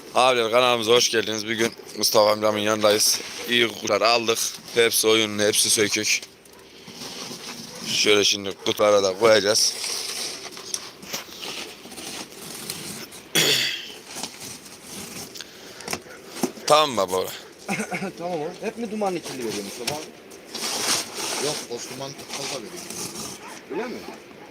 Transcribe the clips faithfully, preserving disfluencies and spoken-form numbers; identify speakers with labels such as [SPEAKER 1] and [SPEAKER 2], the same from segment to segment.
[SPEAKER 1] Abiler kanalımıza hoş geldiniz. Bugün Mustafa amcamın yanındayız. İyi kutular aldık. Hepsi oyunlu, hepsi sökük. Şöyle şimdi kutulara da koyacağız. Tamam mı baba?
[SPEAKER 2] Tamam oğlum. Hep mi dumanlı kirli veriyor Mustafa abi?
[SPEAKER 3] Yok, Osman fazla veriyor.
[SPEAKER 2] Öyle mi?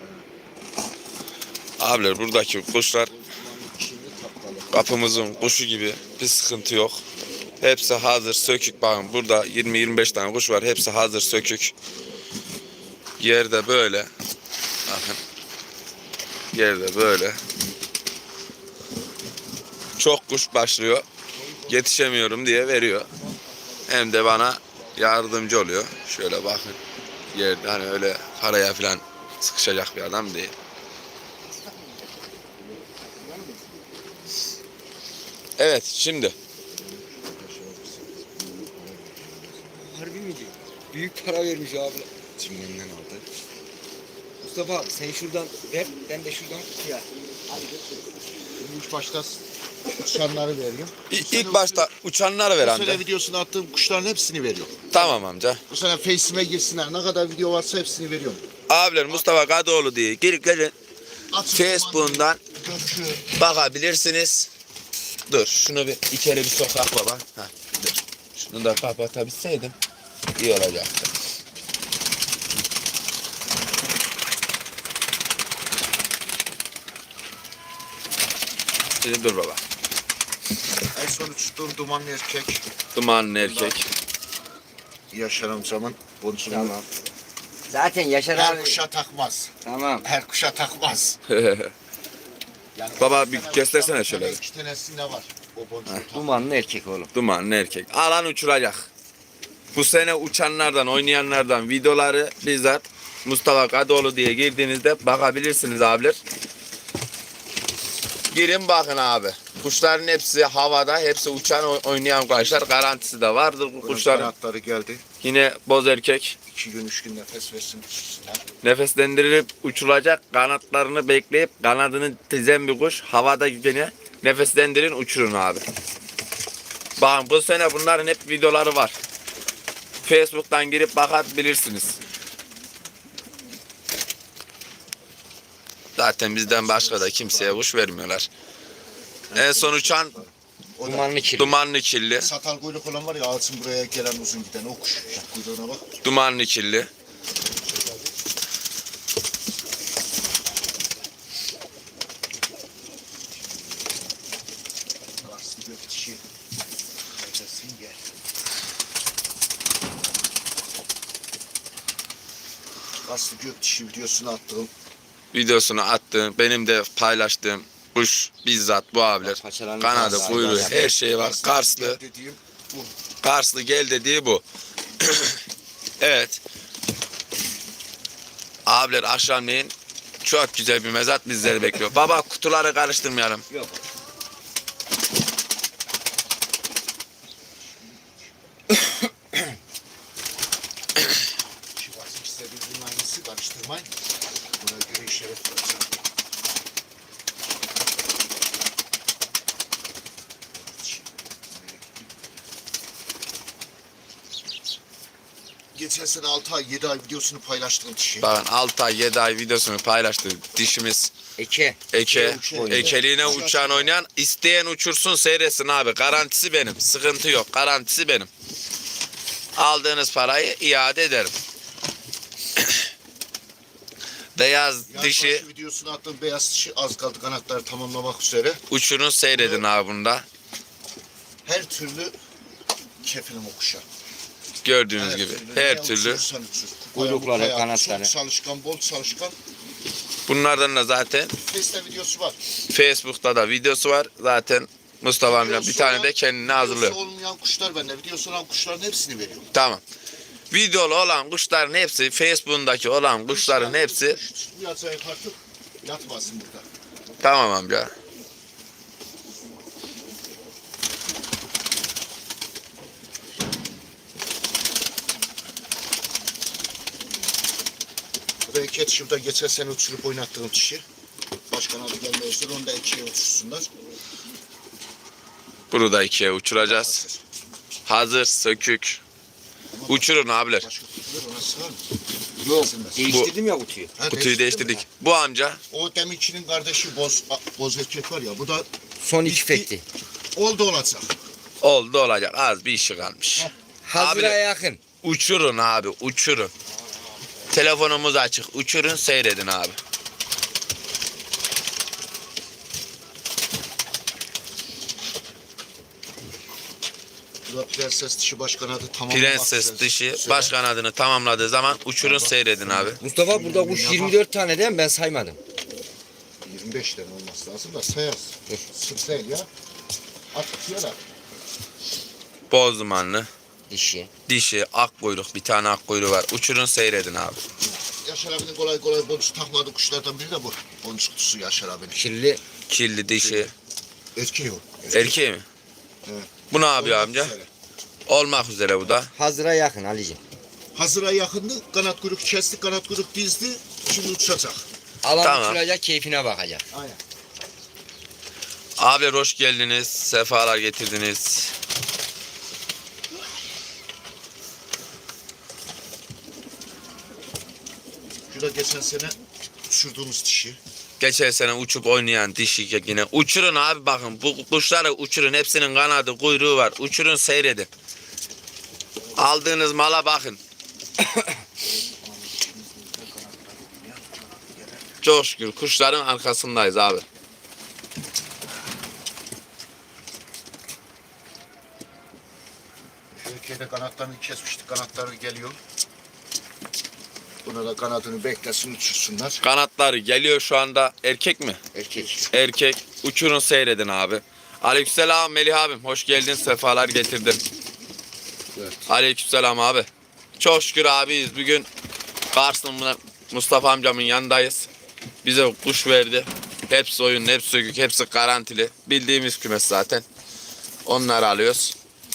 [SPEAKER 1] Abiler buradaki kuşlar
[SPEAKER 3] Osman'ın çiğni taptalı.
[SPEAKER 1] kapımızın kuşu gibi, bir sıkıntı yok. Hepsi hazır sökük. Bakın burada yirmi yirmi beş tane kuş var. Hepsi hazır sökük. Yerde böyle. Bakın. Yerde böyle. Çok kuş başlıyor. Yetişemiyorum diye veriyor. Hem de bana yardımcı oluyor. Şöyle bakın. Yerde hani öyle paraya falan sıkışacak bir adam değil. Evet şimdi.
[SPEAKER 2] Harbi mi diyor? Büyük para vermiş abi.
[SPEAKER 3] Çingenden aldı.
[SPEAKER 2] Mustafa abi sen şuradan ver, ben de şuradan ya. Hadi
[SPEAKER 3] Şimdi ilk başta uçanları veriyorum.
[SPEAKER 1] İ- İlk başta uçanları ver
[SPEAKER 3] Bu
[SPEAKER 1] amca.
[SPEAKER 3] sene videosunu attığım kuşların hepsini veriyorum.
[SPEAKER 1] Tamam amca.
[SPEAKER 3] Bu sene Face'ime girsinler. Ne kadar video varsa hepsini veriyorum.
[SPEAKER 1] Abiler Mustafa Kadıoğlu diye girip gelin.
[SPEAKER 3] Açık
[SPEAKER 1] Facebook'undan
[SPEAKER 3] gökü.
[SPEAKER 1] bakabilirsiniz. Dur şunu bir içeri bir sokak baba. Heh, dur. Şunu da kapatabilseydim iyi olacaktı. Şimdi dur baba.
[SPEAKER 3] En son uçtuğum dumanlı erkek.
[SPEAKER 1] Dumanlı erkek.
[SPEAKER 3] Yaşar amcamın boncuğunu.
[SPEAKER 2] Tamam. Zaten Yaşar
[SPEAKER 3] Her
[SPEAKER 2] abi.
[SPEAKER 3] kuşa takmaz.
[SPEAKER 2] Tamam.
[SPEAKER 3] Her kuşa takmaz. Yani
[SPEAKER 1] Baba,
[SPEAKER 3] iki
[SPEAKER 1] bir
[SPEAKER 3] tane
[SPEAKER 1] göstersene
[SPEAKER 3] kuştan
[SPEAKER 1] şöyle.
[SPEAKER 3] İki tanesinde var. O boncuğu tak.
[SPEAKER 2] Dumanlı erkek oğlum.
[SPEAKER 1] Dumanlı erkek. Alan uçuracak. Bu sene uçanlardan, oynayanlardan videoları bizzat Mustafa Kadıoğlu diye girdiğinizde bakabilirsiniz abiler. Girin bakın abi. Kuşların hepsi havada, hepsi uçan oy- oynayan kuşlar. Garantisi de vardır bu kuşların.
[SPEAKER 3] Kanatları geldi.
[SPEAKER 1] Yine boz erkek.
[SPEAKER 3] İki gün, üç gün nefes versin uçsunlar.
[SPEAKER 1] Nefeslendirilip uçulacak. Kanatlarını bekleyip kanadını dizen bir kuş. Havada yine nefeslendirin, uçurun abi. Bakın bu sene bunların hep videoları var. Facebook'tan girip bakabilirsiniz. Zaten bizden başka da kimseye kuş vermiyorlar. En son uçan
[SPEAKER 3] O da
[SPEAKER 2] Dumanlı kirli.
[SPEAKER 1] dumanlı kirli.
[SPEAKER 3] satal kuyruk olan var ya, ağzın buraya gelen uzun giden o kuş. Kuyruğuna bak.
[SPEAKER 1] Dumanlı kirli.
[SPEAKER 3] Aslı gök dişi. Kaçasın gel. Aslı gök dişi videosunu attım.
[SPEAKER 1] Videosunu attığım, benim de paylaştığım kuş bizzat bu abiler.
[SPEAKER 2] Paçalarını
[SPEAKER 1] Kanadı,
[SPEAKER 2] kazdı,
[SPEAKER 1] kuyruğu,
[SPEAKER 2] aynen.
[SPEAKER 1] her şeyi var. Karslı,
[SPEAKER 3] Dediğim bu.
[SPEAKER 1] Karslı gel dediği bu. Evet. Abiler akşamleyin çok güzel bir mezat bizleri bekliyor. Baba kutuları karıştırmayalım.
[SPEAKER 2] Yok.
[SPEAKER 3] Şivası işte birbirinin aynısı, karıştırmayın. Buna göre işaret vereceğim. Geçen sene altı ay, yedi ay videosunu paylaştığım kişi.
[SPEAKER 1] Bakın altı ay yedi ay videosunu paylaştı. Dişimiz
[SPEAKER 2] Eke.
[SPEAKER 1] eke.
[SPEAKER 3] Uçuyor.
[SPEAKER 1] Ekeliğine uçan oynayan isteyen uçursun seyretsin abi. Garantisi benim. Sıkıntı yok. Garantisi benim. Aldığınız parayı iade ederim. Beyaz
[SPEAKER 3] Yani
[SPEAKER 1] dişi
[SPEAKER 3] başı videosunu attığım beyaz dişi az kaldı kanatları tamamlamak üzere.
[SPEAKER 1] uçurun seyredin abi bunda.
[SPEAKER 3] Her türlü kefilim o kuşa.
[SPEAKER 1] Gördüğünüz gibi her
[SPEAKER 3] ne
[SPEAKER 1] türlü.
[SPEAKER 3] uçurursan uçur.
[SPEAKER 2] Kuyrukları,
[SPEAKER 3] Ayağı
[SPEAKER 2] kanatları.
[SPEAKER 3] Çok çalışkan, bol çalışkan.
[SPEAKER 1] Bunlardan da zaten
[SPEAKER 3] Face'te videosu var.
[SPEAKER 1] Facebook'ta da videosu var. Zaten Mustafa amca bir tane de kendine hazırlıyor.
[SPEAKER 3] Videosu olmayan kuşlar bende. Videosu olan kuşların hepsini veriyorum.
[SPEAKER 1] Tamam. Videolu olan kuşların hepsi, Facebook'undaki olan kuşların hepsi
[SPEAKER 3] Yatsa artık yatmasın burada.
[SPEAKER 1] tamam amca.
[SPEAKER 3] Bereket şurada geçen sene uçurup oynattığım kişi. Başkan abi gelmezler, onu da ikiye uçursunlar.
[SPEAKER 1] Bunu da ikiye uçuracağız. Hazır sökük. Uçurun abiler.
[SPEAKER 3] Başka kutular ona sığar mı?
[SPEAKER 2] Yok.
[SPEAKER 3] Sığmaz.
[SPEAKER 2] Değiştirdim ya kutuyu.
[SPEAKER 3] Ha,
[SPEAKER 1] Kutuyu
[SPEAKER 3] değiştirdin
[SPEAKER 1] değiştirdik.
[SPEAKER 3] mi?
[SPEAKER 1] Bu amca
[SPEAKER 3] O deminçinin kardeşi boz, boz erkek var ya. Bu da
[SPEAKER 2] Son iki
[SPEAKER 3] Bitti.
[SPEAKER 2] fekti.
[SPEAKER 3] oldu olacak.
[SPEAKER 1] oldu olacak. Az bir işi kalmış.
[SPEAKER 2] Hazıra
[SPEAKER 1] Abi-
[SPEAKER 2] yakın.
[SPEAKER 1] Uçurun abi uçurun. Telefonumuz açık. Uçurun seyredin abi.
[SPEAKER 3] Bu da prenses dişi baş kanadı tamamlamak
[SPEAKER 1] Prenses
[SPEAKER 3] üzere.
[SPEAKER 1] dişi
[SPEAKER 3] Söyle.
[SPEAKER 1] baş kanadını tamamladığı zaman uçurun seyredin abi.
[SPEAKER 2] Mustafa burada kuş yirmi dört tane değil mi? Ben saymadım.
[SPEAKER 3] yirmi beş tane olması lazım da sayarız. Sık değil ya. At tutuyor da.
[SPEAKER 1] Boz dumanlı.
[SPEAKER 2] Dişi.
[SPEAKER 1] Dişi, ak kuyruk. Bir tane ak kuyruğu var. Uçurun seyredin abi.
[SPEAKER 3] Yaşar abinin kolay kolay boncuk takmadığı kuşlardan biri de bu. Boncuk kutusu Yaşar abinin.
[SPEAKER 2] Kirli.
[SPEAKER 1] Kirli dişi.
[SPEAKER 3] Erkeği o.
[SPEAKER 1] Erkeği mi?
[SPEAKER 3] Evet.
[SPEAKER 1] Bu ne yapıyor
[SPEAKER 3] Olmak
[SPEAKER 1] amca?
[SPEAKER 3] üzere.
[SPEAKER 1] Olmak üzere bu da.
[SPEAKER 2] Hazıra yakın Ali'ciğim.
[SPEAKER 3] Hazıra yakındı. Kanat kuyruk kesti, kanat kuyruk dizdi. Şimdi uçacak.
[SPEAKER 2] Alan
[SPEAKER 1] Tamam.
[SPEAKER 2] uçuracak, keyfine bakacak.
[SPEAKER 3] Aynen.
[SPEAKER 1] Abi hoş geldiniz. Sefalar getirdiniz.
[SPEAKER 3] Şu da geçen sene uçurduğumuz dişi.
[SPEAKER 1] Geçen sene uçup oynayan dişi yine. Uçurun abi bakın. Bu kuşları uçurun. Hepsinin kanadı, kuyruğu var. Uçurun seyredin. Aldığınız mala bakın. Çok şükür kuşların arkasındayız abi.
[SPEAKER 3] Şu erkeğe de kanatlarını kesmiştik. Kanatları geliyor. Buna da kanadını beklesin uçursunlar.
[SPEAKER 1] Kanatları geliyor şu anda. Erkek mi?
[SPEAKER 2] Erkek.
[SPEAKER 1] Erkek. Uçurun seyredin abi. Aleykümselam Melih abim. Hoş geldin. Sefalar getirdin.
[SPEAKER 3] Evet.
[SPEAKER 1] Aleykümselam abi. Çok şükür abiyiz. Bugün Kars'ın Mustafa amcamın yanındayız. Bize kuş verdi. Hepsi oyun, hepsi sökük, hepsi garantili. Bildiğimiz kümes zaten. Onları alıyoruz.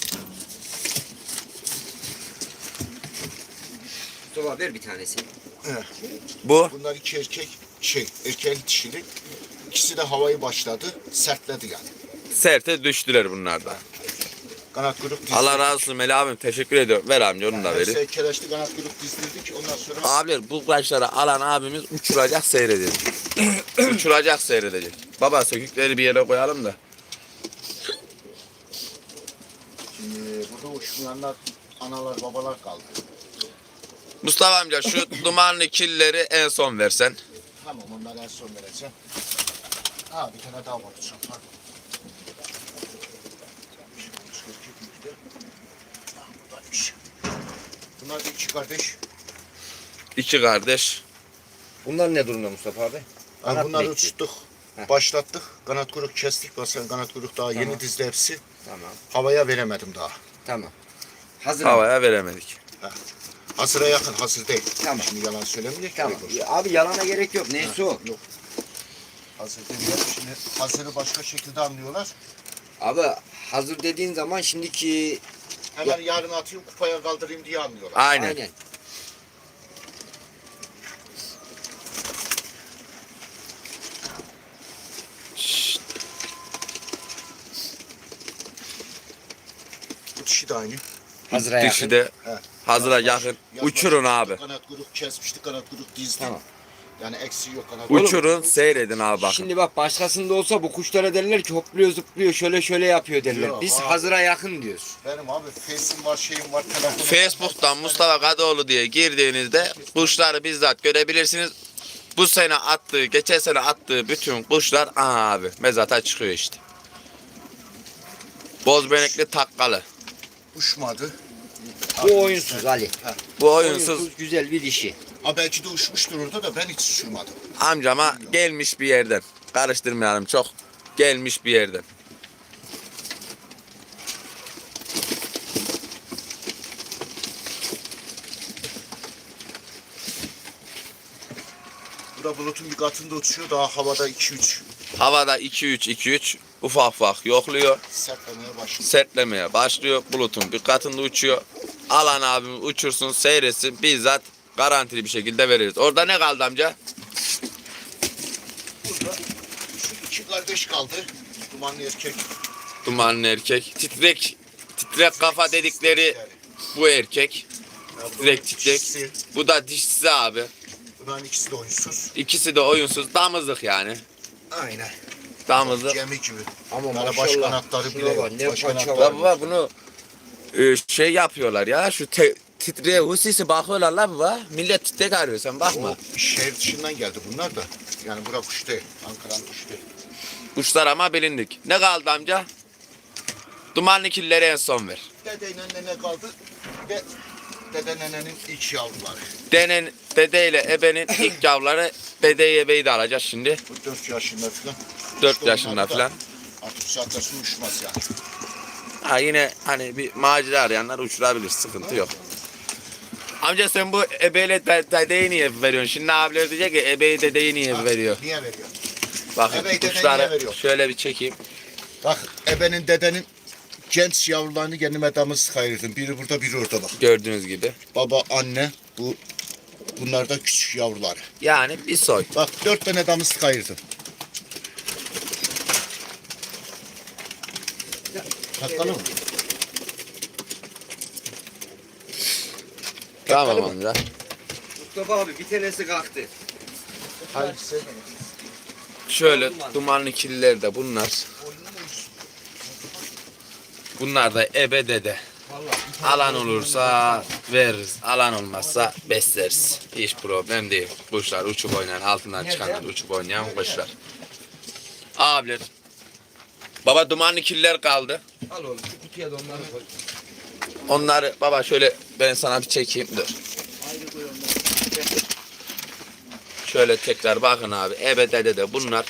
[SPEAKER 2] Mustafa ver bir tanesi.
[SPEAKER 3] Evet.
[SPEAKER 1] Bu
[SPEAKER 3] Bunlar iki erkek, şey, erkek dişili. İkisi de havayı başladı. Sertledi yani.
[SPEAKER 1] serte düştüler bunlar da.
[SPEAKER 3] Kanat kuyruk dizdirdik.
[SPEAKER 1] Allah razı olsun Melih abim. Teşekkür ediyorum. Ver amca onu da
[SPEAKER 3] Yani
[SPEAKER 1] verin.
[SPEAKER 3] Serkeleşti kanat kuyruk dizdirdik. Ondan sonra
[SPEAKER 1] Abiler bu kuşları alan abimiz uçuracak seyredecek. Uçuracak seyredecek. Baba sökükleri bir yere koyalım da.
[SPEAKER 3] şimdi burada uçmayanlar analar babalar kaldı.
[SPEAKER 1] Mustafa amca şu dumanlı killeri en son versen.
[SPEAKER 3] Tamam onları en son vereceğim. Ha bir tane daha var. Uçan, pardon. Ha, buradaymış. Bunlar da iki kardeş.
[SPEAKER 1] İki kardeş.
[SPEAKER 2] Bunlar ne durumda Mustafa abi?
[SPEAKER 3] Ha,
[SPEAKER 2] Kanat
[SPEAKER 3] bunları
[SPEAKER 2] bekliyor.
[SPEAKER 3] uçtuk.
[SPEAKER 2] Heh.
[SPEAKER 3] Başlattık. Kanat kuyruk kestik. Mesela kanat kuyruk daha
[SPEAKER 2] Tamam.
[SPEAKER 3] yeni dizdi hepsi.
[SPEAKER 2] Tamam.
[SPEAKER 3] Havaya veremedim daha.
[SPEAKER 2] Tamam. Hazır.
[SPEAKER 1] Havaya veremedik.
[SPEAKER 3] Hazıra yakın, hazır değil.
[SPEAKER 2] Tamam.
[SPEAKER 3] Şimdi yalan söylemeyecek.
[SPEAKER 2] Tamam.
[SPEAKER 3] Yok.
[SPEAKER 2] Ya abi yalana gerek yok. Neyse o.
[SPEAKER 3] Yok. Hazır demiyor. Şimdi hazırı başka şekilde anlıyorlar.
[SPEAKER 2] Abi hazır dediğin zaman şimdiki
[SPEAKER 3] Hemen yarın atayım kupaya kaldırayım diye anlıyorlar.
[SPEAKER 1] Aynen.
[SPEAKER 2] aynen.
[SPEAKER 1] Şşt.
[SPEAKER 3] Bu dişi de aynı.
[SPEAKER 2] Hazıra yakın.
[SPEAKER 1] Dişi de
[SPEAKER 3] He.
[SPEAKER 1] hazıra
[SPEAKER 3] Yazbaşı-
[SPEAKER 1] yakın.
[SPEAKER 3] yazbaşı
[SPEAKER 1] Uçurun abi.
[SPEAKER 3] Kanat kuyruk kesmişti, kanat kuyruk dizdi.
[SPEAKER 2] Tamam.
[SPEAKER 3] Yani eksiği yok kanat
[SPEAKER 1] Uçurun seyredin abi bakın.
[SPEAKER 2] Şimdi bak başkasında olsa bu kuşlara derler ki hopluyor zıplıyor şöyle şöyle yapıyor derler.
[SPEAKER 3] Yok,
[SPEAKER 2] Biz
[SPEAKER 3] abi.
[SPEAKER 2] hazıra yakın diyoruz.
[SPEAKER 3] Benim abi Face'im var, şeyim var, telefonum var.
[SPEAKER 1] Facebook'tan Mustafa Kadıoğlu diye girdiğinizde kuşları bizzat görebilirsiniz. Bu sene attığı, geçen sene attığı bütün kuşlar aha abi mezata çıkıyor işte. Bozbenekli takkalı.
[SPEAKER 3] Uçmadı.
[SPEAKER 2] Bu oyunsuz Ali.
[SPEAKER 1] Bu oyunsuz
[SPEAKER 2] güzel bir dişi.
[SPEAKER 3] Ha belki de uçmuştur orada da ben hiç uçurmadım.
[SPEAKER 1] amcama gelmiş bir yerden. Karıştırmayalım çok. Gelmiş bir yerden.
[SPEAKER 3] Bu da bulutun bir katında uçuyor, daha havada iki üç
[SPEAKER 1] Havada iki üç iki üç ufak ufak yokluyor.
[SPEAKER 3] sertlemeye başlıyor.
[SPEAKER 1] Sertlemeye başlıyor. Bulutun bir katında uçuyor. Alan abim uçursun seyretsin bizzat garantili bir şekilde veririz. Orada ne kaldı amca?
[SPEAKER 3] Burada şu iki kardeş kaldı. Dumanlı erkek.
[SPEAKER 1] Dumanlı erkek. Titrek titrek kafa dedikleri bu erkek. Titrek titrek.
[SPEAKER 3] İkisi,
[SPEAKER 1] Bu da dişsiz abi.
[SPEAKER 3] bunların ikisi de oyunsuz.
[SPEAKER 1] İkisi de oyunsuz. Damızlık yani.
[SPEAKER 2] Aynen.
[SPEAKER 1] Damızlık.
[SPEAKER 3] Gemi gibi.
[SPEAKER 2] Ama
[SPEAKER 3] Bunlara baş
[SPEAKER 2] maşallah.
[SPEAKER 3] kanatları
[SPEAKER 2] Şuna
[SPEAKER 3] bile
[SPEAKER 2] bak,
[SPEAKER 3] yok.
[SPEAKER 2] ne
[SPEAKER 3] Baş
[SPEAKER 2] paça
[SPEAKER 3] kanatları
[SPEAKER 2] var.
[SPEAKER 3] yok.
[SPEAKER 1] Baba bunu e, şey yapıyorlar ya. Şu te, titreye husisi bakıyorlar la baba. Millet titrek arıyor, sen bakma.
[SPEAKER 3] O şehir dışından geldi bunlar da. Yani bura kuş değil. Ankara'nın kuşu değil.
[SPEAKER 1] Kuşlar ama bilindik. Ne kaldı amca? Dumanlı killeri en son ver.
[SPEAKER 3] Dedeyle nene kaldı. Ve dede nenenin ilk yavruları.
[SPEAKER 1] Denen, dedeyle ebenin ilk yavruları, dedeyi ebeyi de alacağız şimdi.
[SPEAKER 3] Bu dört yaşında falan.
[SPEAKER 1] dört
[SPEAKER 3] İşte
[SPEAKER 1] yaşında
[SPEAKER 3] onlar da
[SPEAKER 1] falan.
[SPEAKER 3] Artık bu saatte su uçmaz yani.
[SPEAKER 1] Ha yine hani bir macera arayanlar uçurabilir, sıkıntı yok. Amca sen bu ebeyle de, dedeyi niye veriyorsun? Şimdi abiler diyecek ki ebeyi dedeyi niye
[SPEAKER 3] Ha,
[SPEAKER 1] veriyor?
[SPEAKER 3] Niye veriyor?
[SPEAKER 1] Bakın
[SPEAKER 3] Ebeyi dedeyi niye
[SPEAKER 1] kuşları
[SPEAKER 3] veriyor?
[SPEAKER 1] şöyle bir çekeyim.
[SPEAKER 3] Bak ebenin dedenin genç yavrularını kendime damız ayırdım. Biri burada biri orada bak.
[SPEAKER 1] Gördüğünüz gibi.
[SPEAKER 3] Baba anne bu bunlar da küçük yavrular.
[SPEAKER 1] Yani bir soy.
[SPEAKER 3] Bak dört tane damız ayırdım. Takalım mı?
[SPEAKER 1] Tamam amca.
[SPEAKER 2] Mustafa abi bir tanesi kalktı.
[SPEAKER 3] Hangisi?
[SPEAKER 1] Şöyle dumanlı killer de bunlar. Bunlar da ebe dede.
[SPEAKER 2] Vallahi.
[SPEAKER 1] Alan olursa veririz. Alan olmazsa besleriz. Hiç problem değil. Kuşlar uçup oynayan, altından çıkanlar uçup oynayan kuşlar. Abiler. Baba dumanlı killer kaldı.
[SPEAKER 2] Al oğlum şu kutuya da onları koy.
[SPEAKER 1] Onları baba şöyle ben sana bir çekeyim, dur.
[SPEAKER 2] Ayrı koy onları.
[SPEAKER 1] Şöyle tekrar bakın abi. Ebe dede de bunlar.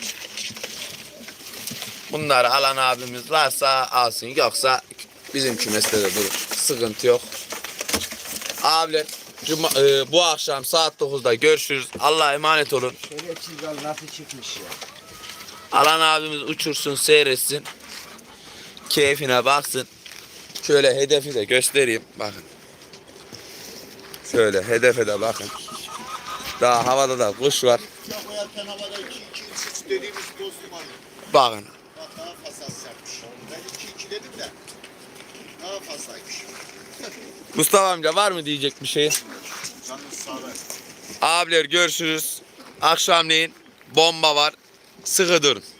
[SPEAKER 1] Bunları alan abimiz varsa alsın. Yoksa bizim kümeste de durur. Sıkıntı yok. Abiler cuma, e, bu akşam saat dokuzda görüşürüz. Allah'a emanet olun.
[SPEAKER 2] Şöyle çizgal nasıl çıkmış ya.
[SPEAKER 1] Alan abimiz uçursun, seyretsin. Keyfine baksın. Şöyle hedefi de göstereyim. Bakın. Şöyle hedefe de bakın. Daha havada da kuş var.
[SPEAKER 3] Ya koyarken havada iki iki üç dediğimiz dostum var.
[SPEAKER 1] Bakın.
[SPEAKER 3] Bak daha fazla sertmiş. Ben iki iki dedim de daha fazlaymış.
[SPEAKER 1] Mustafa amca var mı diyecek bir şey?
[SPEAKER 3] Canınız sağ olun.
[SPEAKER 1] Abiler görüşürüz. Akşamleyin bomba var. Sıkı durun.